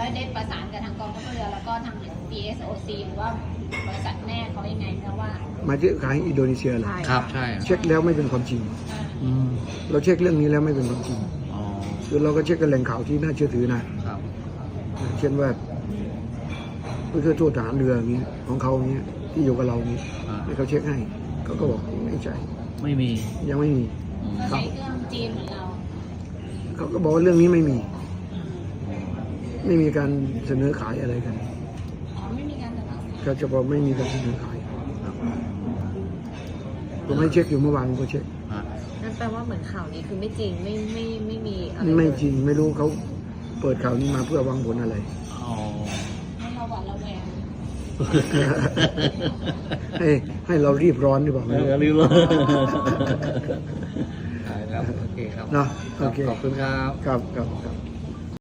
ได้ประสานกับทางกองทัพเรือแล้วก็ทาง PSOC หรือว่าบริษัทแม่เขายังไงนะว่ามาเช็คขายอินโดนีเซียเหรอครับใช่เช็คแล้วไม่เป็นความจริงอืมเราเช็คเรื่องนี้แล้วไม่เป็นความจริงอ๋อคือเราก็เช็คกันแหล่งข่าวที่น่าเชื่อถือนะครับ เช่นว่าผู้ช่วยทูตทหารเรืออย่างนี้ของเขาอย่างนี้ที่อยู่กับเรานี้อ่าให้เขาเช็คให้เขาก็บอกไม่ใช่ไม่มียังไม่มีอืมก็ใช้เครื่องจีนเหมือนเราเขาก็บอกว่าเรื่องนี้ไม่มี ไม่มีการเสนอขายอะไรกันอ๋อไม่มีการเสนอเขาจะบอกไม่มีการเสนอขายครับผมให้เช็คอยู่เมื่อวานก็เช็คอ่ะนั่นแปลว่าเหมือนข่าวนี้คือไม่จริงไม่มีอะไรไม่เลยจริงไม่รู้เขาเปิดข่าวนี้มาเพื่อหวังผลอะไรอ๋อให้เราหวาดระแวงให้เรารีบร้อนหรือเปล่าไม่รู้รีบเลยครับโอเคครับเนาะโอเคขอบคุณครับครับ